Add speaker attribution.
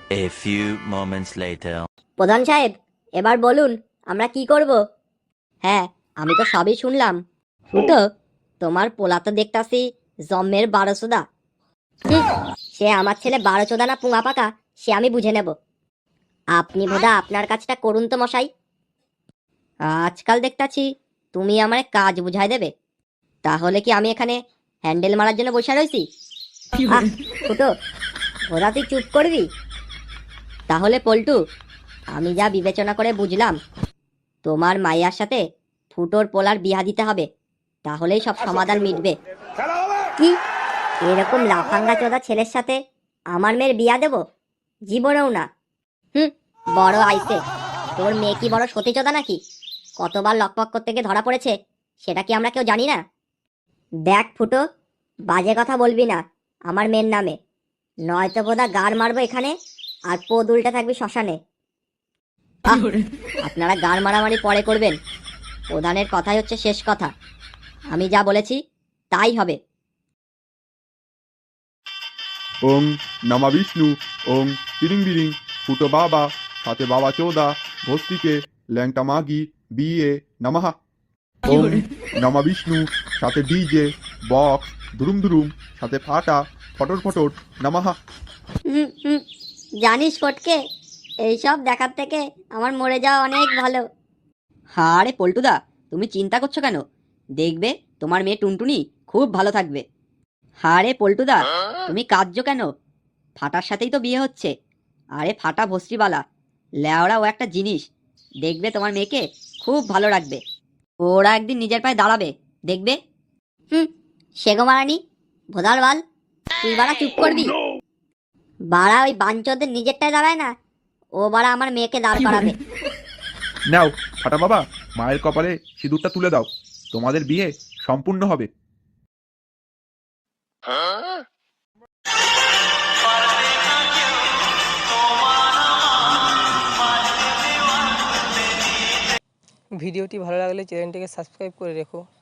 Speaker 1: A few moments later.
Speaker 2: প্রধান সাহেব, এবার বলুন আমরা কি করব? হ্যাঁ, আমি তো সবই শুনলাম। ফুটো, তোমার পোলা তো দেখতাছি জম্মের 12 চোদা। সে আমার ছেলে 12 চোদা না পুঙা পাকা সে আমি বুঝে নেব। আপনি বোধা আপনার কাজটা করুন তো মশাই। আজকাল দেখতাছি তুমি আমারে কাজ বুঝাই দেবে, তাহলে কি আমি এখানে হ্যান্ডেল মারার জন্য বসে রয়েছি? ফুটো, বোধা তুই চুপ করবি? তাহলে পল্টু, আমি যা বিবেচনা করে বুঝলাম, তোমার মাইয়ার সাথে ফুটোর পোলার বিয়া দিতে হবে, তাহলেই সব সমাধান মিটবে। কি, এরকম লাফাঙ্গা চোদা ছেলের সাথে আমার মেয়ের বিয়া দেব? জীবনেও না। বড় আইছে, তোর মেয়ে কি বড় সতী চোদা নাকি? কতবার লকপক করতে গিয়ে ধরা পড়েছে সেটা কি আমরা কেউ জানি না? দেখ ফুটো, বাজে কথা বলবি না আমার মেয়ের নামে, নয়তো বোধা গাড় মারবো এখানে আর পো দুলটা থাকবি শ্মশানে। আপনারা গাড় মারামারি পরে করবেন, প্রধানের কথাই হচ্ছে শেষ কথা। আমি যা বলেছি তাই হবে।
Speaker 3: ওং নমা বিষ্ণু, ওং তিরিং বিরিং, ফুটো বাবা, সাথে বাবা চৌদা, ভস্তিকে, ল্যাংটা মাগি, বিয়ে, নমহা। ওং নমা বিষ্ণু, সাথে ডিজে, বক্স, দুরুম দুরুম, সাথে ফাটা, ফটর ফটর, নমহা।
Speaker 2: জানিস ফটকে, এইসব দেখার থেকে আমার মরে যাওয়া অনেক ভালো। আরে পল্টুদা, তুমি চিন্তা করছো কেন? দেখবে তোমার মেয়ে টুনটুনি খুব ভালো থাকবে। আরে পল্টুদা, তুমি কাঁদছো কেন? ফাটার সাথেই তো বিয়ে হচ্ছে। আরে ফাটা ভস্রিবালা, লেওড়া ও একটা জিনিস, দেখবে তোমার মেয়েকে খুব ভালো রাখবে। ওরা একদিন নিজের পায়ে দাঁড়াবে, দেখবে। সেগো মারানি, ভোদার বাল, তুই বাড়া চুপ করবি। বাড়া ওই বাঞ্চদের নিজেরটায় দাঁড়ায় না, ও বাড়া আমার মেয়েকে দাঁড় করাবে।
Speaker 3: নাও ফাটা বাবা, মায়ের কপালে সিঁদুরটা তুলে দাও, তোমাদের বিয়ে সম্পূর্ণ হবে।
Speaker 4: ভিডিওটি ভালো লাগলে চ্যানেলটিকে সাবস্ক্রাইব করে রেখো।